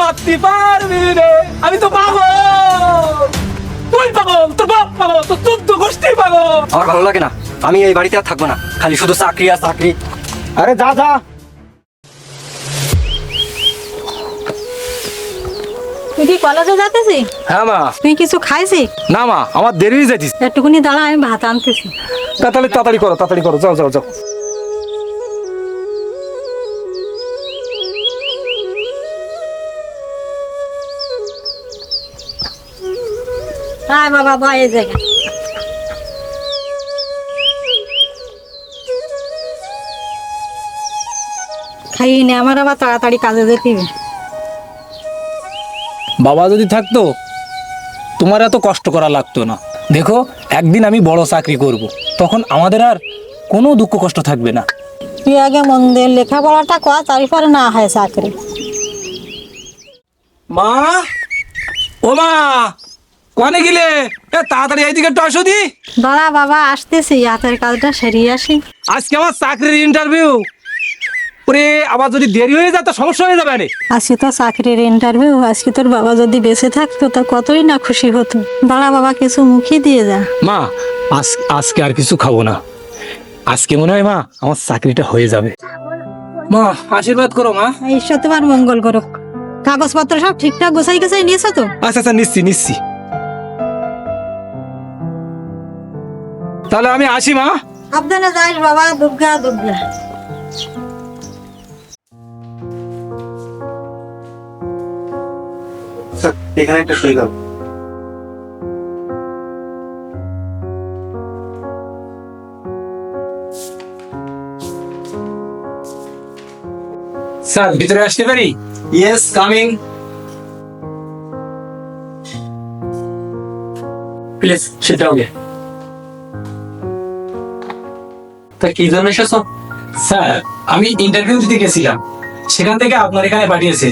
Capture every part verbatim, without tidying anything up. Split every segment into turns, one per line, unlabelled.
মারতে পারবি রে, আমি তো পাগল। তুই পাগল, তোর বাপ পাগল, তোর চোদ্দ গোষ্ঠী পাগল।
আমার ভালো লাগে না, আমি এই বাড়িতে আর থাকবো না, খালি শুধু চাকরি আর চাকরি।
আরে যা যা।
তুই কি কলেজে যাতেছি?
হ্যাঁ মা।
তুই কিছু খাইছি?
না মা, আমার দেরি হয়ে যাইতিস।
একটুকুনি দাঁড়া, আমি ভাত আনতেছি।
তাড়াতাড়ি তাড়াতাড়ি করো, তাড়াতাড়ি করো, যাও যাও যাও।
আয় বাবা, বয় এই জায়গা। খাইয়ে নে, আমার আবার তাড়াতাড়ি কাজে যেতে হবে।
বাবা যদি থাকতো তোমার এত কষ্ট করা লাগতো না। দেখো, একদিন আমি বড় চাকরি করব, তখন আমাদের আর কোনো দুঃখ কষ্ট থাকবে না।
তুই আগে মন দিয়ে লেখাপড়াটা কর, তারপরে না হয় চাকরি।
মা, ও মা, কোনে গেলে? এ তাড়াতাড়ি এইদিকে একটু আসো দি।
দাঁড়া বাবা, আসতেছি, হাতের কাজটা সেরিয়ে আসি।
আজকে আমার চাকরির ইন্টারভিউ, ওরে আবার যদি দেরি হয়ে যায় তো সমস্যা হয়ে যাবে। আরে
আজকে তো চাকরির ইন্টারভিউ, আজকে তোর বাবা যদি বেঁচে থাকতো তা কতই না খুশি হতো। দাঁড়া বাবা, কিছু মুখে দিয়ে যা।
মা, আজ আজকে আর কিছু খাবো না, আজকে মনে হয় মা আমার চাকরিটা হয়ে যাবে। মা আশীর্বাদ করো মা।
ঈশ্বর তোমার মঙ্গল করুক। কাগজপত্র সব ঠিকঠাক গোছাই গোছাই নিয়েছো তো?
আচ্ছা আচ্ছা, নিচ্ছি নিচ্ছি। তাহলে আমি আসি মা।
সাবধানে যাস বাবা, দুর্গা দুর্গা।
এখানে একটা সই দাও।
স্যার, ভিতরে আসতে পারি?
Yes, coming.
Please sit down.
তা কি জন্য এসেছো?
স্যার, আমি ইন্টারভিউ দিতে গেছিলাম, সেখান থেকে আপনার এখানে পাঠিয়েছে।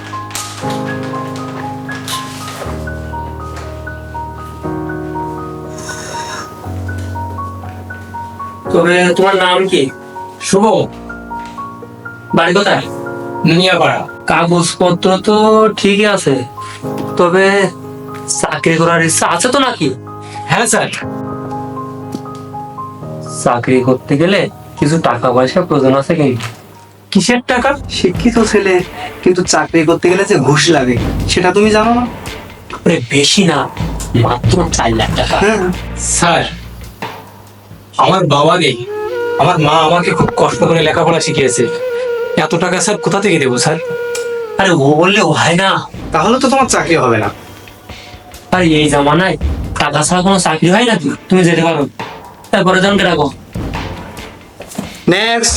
তবে তোমার নাম কি?
শুভ।
বাড়ি কোথায়?
নিয়াপাড়া।
কাগজপত্র তো ঠিকই আছে, তবে চাকরি করার ইচ্ছা আছে তো নাকি?
হ্যাঁ স্যার।
চাকরি করতে গেলে কিছু টাকা পয়সা প্রয়োজন আছে কিন্তু।
কিসের টাকা?
শিক্ষিত ছেলে, কিন্তু চাকরি করতে গেলে যে ঘুষ লাগে সেটা তুমি জানো না?
আরে বেশি না, মাত্র চার লাখ টাকা।
হ্যাঁ,
স্যার, আমার বাবা নেই, আমার মা আমাকে খুব কষ্ট করে লেখাপড়া শিখিয়েছে, এত টাকা স্যার কোথা থেকে দেবো স্যার?
আরে ও বললে ও হয় না।
তাহলে তো তোমার চাকরি হবে না।
আরে এই জামানায় টাকা ছাড়া কোনো চাকরি হয় নাকি? তুমি যেতে পারো, তারপরে জনকে রাখো।
নেক্সট।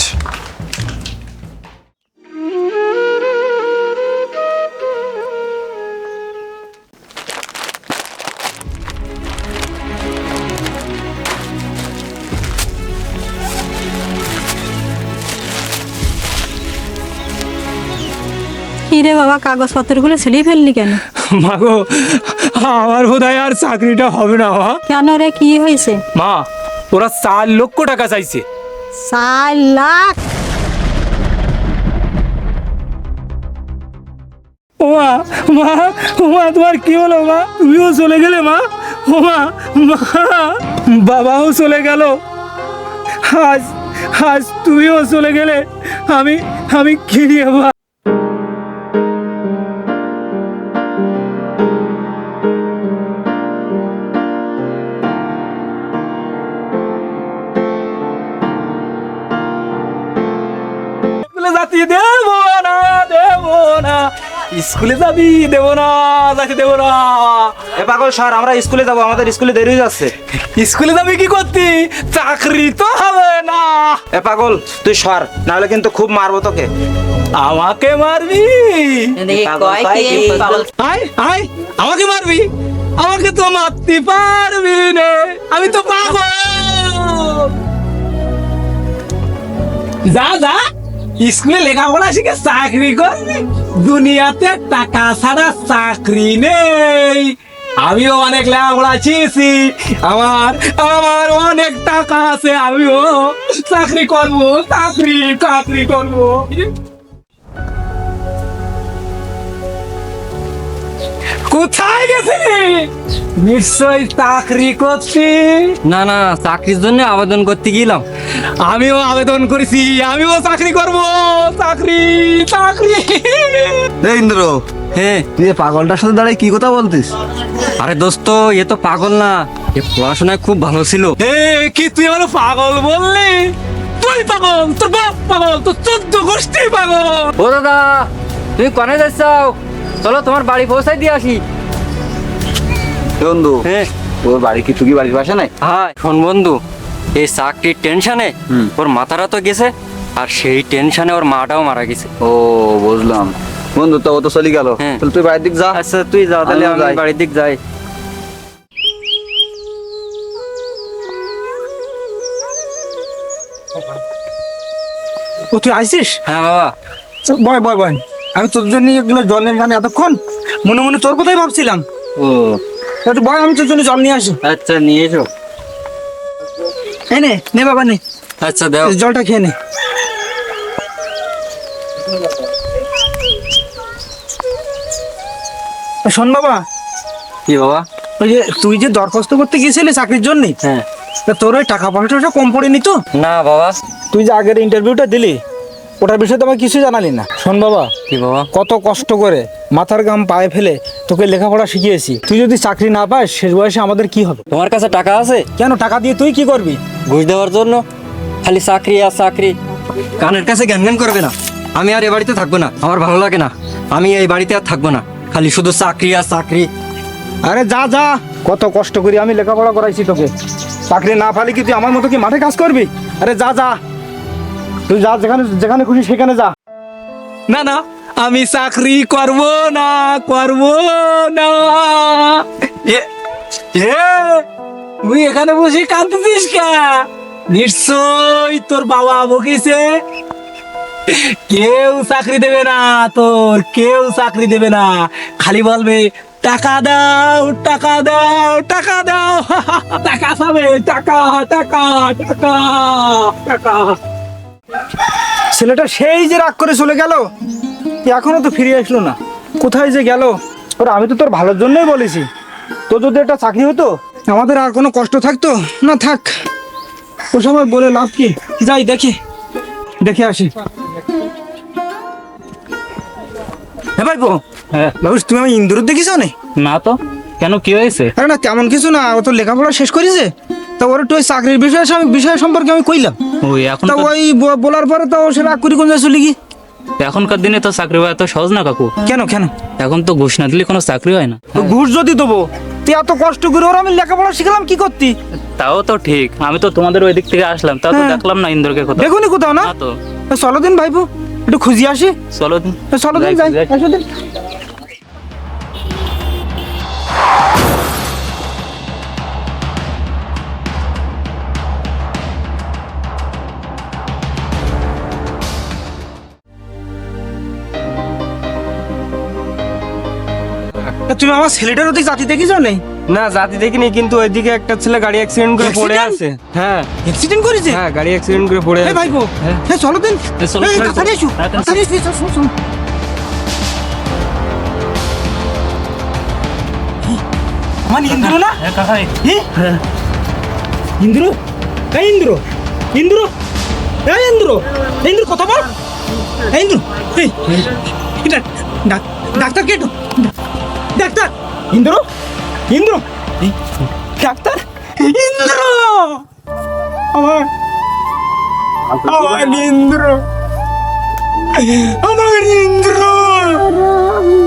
কি রে বাবা, কাগজপত্রগুলো ছেলিয়ে ফেললি কেন?
মাগো, আমার বোধহয় আর চাকরিটা হবে না। মা,
কেন রে, কি হয়েছে?
মা, ওরা চার লক্ষ টাকা চাইছে।
চার লাখ?
ও মা, মা, ও মা, তোমার কি হলো মা? তুমিও চলে গেলে মা? ও মা, মা, বাবাও চলে গেল, আজ আজ তুমিও চলে গেলে, আমি আমি কি নিয়ে মা? জাতি দেব না, দেব না, স্কুলে যাবি দেব না, যাতে দেব না।
এ পাগল স্যার, আমরা স্কুলে যাবো, আমাদের স্কুলে দেরি হয়ে যাচ্ছে।
স্কুলে যাবি কি করতি? চাকরি তো হবে না।
এ পাগল তুই সর, নাহলে কিন্তু খুব মারবো তোকে।
আমাকে মারবি? আয় আয়, আমাকে মারবি? আমাকে তো মারতে পারবি না, আমি তো পাগল। যা যা, স্কুলে লেখাপড়া শিখে চাকরি করবি। দুনিয়াতে টাকা ছাড়া চাকরি নেই। আমিও অনেক লেখাপড়া শিখেছি, আমার আমার অনেক টাকা আছে, আমিও চাকরি করবো, চাকরি চাকরি করবো। কোথায় গেছিলি? নিশ্চয় চাকরি করছি।
না না, চাকরির জন্য আবেদন করতে গেলাম।
আমিও আবেদন করেছি, আমিও চাকরি করব। চাকরি চাকরি।
এই ইন্দ্র,
হ্যাঁ।
তুই এই পাগলটার সাথে দাঁড়াই কি কথা বলতিস?
আরে দোস্ত, এ তো পাগল না, এ পড়াশোনায় খুব ভালো ছিল।
এ কি তুই আমার পাগল বললি? তুই পাগল, তোর বাপ পাগল, তোর চোদ্দ গোষ্ঠী পাগল।
ও দাদা, তুমি কনে যাচ্ছাও? চলো তোমার বাড়ি পৌঁছাই দিয়ে আসি।
বন্ধু,
হ্যাঁ
তোর বাড়ি কি তুই কি বাড়ির পাশে নাই?
হ্যাঁ, শোন বন্ধু, এই চাকরির টেনশনে ওর মাথাটা তো গেছে, আর সেই টেনশনে ওর মাটাও মারা গেছে।
ও বুঝলাম বন্ধু, তো ও তো চলে গেল।
হ্যাঁ।
তাহলে তুই বাড়ির দিক যা।
আচ্ছা তুই যা, তাহলে
আমিও
আমি
যাই।
বাড়ির দিক যাই।
ও তুই আইছিস?
হ্যাঁ বাবা।
বয় বয় বয়, আমি তোর জন্য এগুলো জল নিয়ে এখানে এতক্ষণ মনে মনে তোর কথাই ভাবছিলাম।
ও
একটু বয়, আমি তোর জন্য জল নিয়ে আসি।
আচ্ছা, নিয়ে এসো।
এই নে নে বাবা নে,
আচ্ছা দাও।
জলটা খেয়ে নে। শোন বাবা,
কি বাবা?
ওই যে তুই যে দরখাস্ত করতে গিয়েছিলি চাকরির জন্য,
হ্যাঁ।
তোর ওই টাকা পয়সাটা কম পড়েনি তো?
না বাবা।
তুই যে আগের ইন্টারভিউটা দিলি, ওটার বিষয়ে তো আমাকে কিছু জানালি না। শোন বাবা,
কি বাবা?
কত কষ্ট করে মাথার ঘাম পায়ে ফেলে তোকে লেখাপড়া শিখিয়েছি। তুই যদি চাকরি না পাস শেষ বয়সে আমাদের কি হবে?
তোমার কাছে টাকা আছে?
কেন, টাকা দিয়ে তুই কি করবি?
ঘুষ দেওয়ার জন্য? খালি চাকরি আর চাকরি। কানের কাছে জ্ঞান জ্ঞান করবে না। আমি আর এ বাড়িতে থাকবো না, আমার ভালো লাগে না। আমি এই বাড়িতে আর থাকবো না, খালি শুধু চাকরি আর চাকরি।
আরে যা যা, কত কষ্ট করি আমি লেখাপড়া করাইছি তোকে। চাকরি না পালে কি তুই আমার মতো কি মাঠে কাজ করবি? আরে যা যা, তুই যা, যেখানে যেখানে খুশি সেখানে যা। না না, আমি চাকরি করব না, করব না। এ এ, তুই এখানে বসে কাঁদতেছিস কে? নিশ্চয় তোর বাবা বকিছে। কেউ চাকরি দেবে না তোর, কেউ চাকরি দেবে না। খালি বলবে টাকা দাও, টাকা দাও, টাকা দাও। টাকা পাবে, টাকা টাকা টাকা টাকা। ছেলেটা সেই যে রাগ করে চলে গেল, এখনো তো ফিরে আসলো না। কোথায় যে গেল? ওর আমি তো তোর ভালোর জন্যই বলেছি, তোর যদি একটা চাকরি হতো আমাদের আর কোনো কষ্ট থাকতো না। থাক, ও সময় বলে লাভ কি? যাই দেখি, দেখে আসি। হ্যাঁ ভাই,
হ্যাঁ
বাবু তুমি আমি ইন্দুর দেখিস না?
না তো, কেন কি হয়েছে?
আরে না, তেমন কিছু না, ও তো লেখাপড়া শেষ করেছে। তা ওর একটু ওই চাকরির বিষয়ে বিষয় সম্পর্কে আমি কইলাম।
ওই এখন
তা ওই ব- বলার পরে তো ও সে রাগ করি কোন যায় চলে গি।
এখনকার দিনে তো চাকরি পাওয়া এত সহজ না কাকু।
কেন কেন?
এখন তো ঘুষ না দিলে কোনো চাকরি হয় না।
তো ঘুষ যদি দেবো, তুই এত কষ্ট করে ওর আমি লেখাপড়া শিখলাম কি করতি?
তাও তো ঠিক, আমি তো তোমাদের ওই দিক থেকে আসলাম, তাও তো
হ্যাঁ।
দেখলাম না ইন্দোরকে কোথাও।
দেখুনি কোথাও না?
না তো।
তা চলো দিন ভাইপো, একটু খুঁজি আসি।
চলো দিন।
তা চলো দিন
যাই,
যাই,
যাই।
আসো দিন। তা তুমি আমার ছেলেটার ওদিকে জাতি দেখিস নেই?
না, জাতি দেখিনি, কিন্তু ওইদিকে একটা ছেলে গাড়ি অ্যাক্সিডেন্ট করে পড়ে
Accident?
আছে। হ্যাঁ
অ্যাক্সিডেন্ট করেছে?
হ্যাঁ, গাড়ি অ্যাক্সিডেন্ট করে পড়ে
এই
আছে।
ভাইপো,
হ্যাঁ।
হ্যাঁ চলো দিন।
এই চলো,
এই,
চলো,
তাড়াতাড়ি এসো,
হ্যাঁ, তাড়াতাড়ি
তাড়াতাড়ি এসো, এসো, এসো, এসো। আমার ইন্দ্র না?
হ্যাঁ কাকা, এই-
হ্যাঁ, ইন্দ্র, এই ইন্দ্র, ইন্দ্র, এই ইন্দ্র, এই ইন্দ্র কথা বল। এই ইন্দ্র, এই, এটা, ডাক- ডাক্তার কে? ডাক্তার, ইন্দ্র, ইন্দ্র, এই, ডাক্তার, ইন্দ্র, আমার, আমার ইন্দ্র, আমার ইন্দ্র।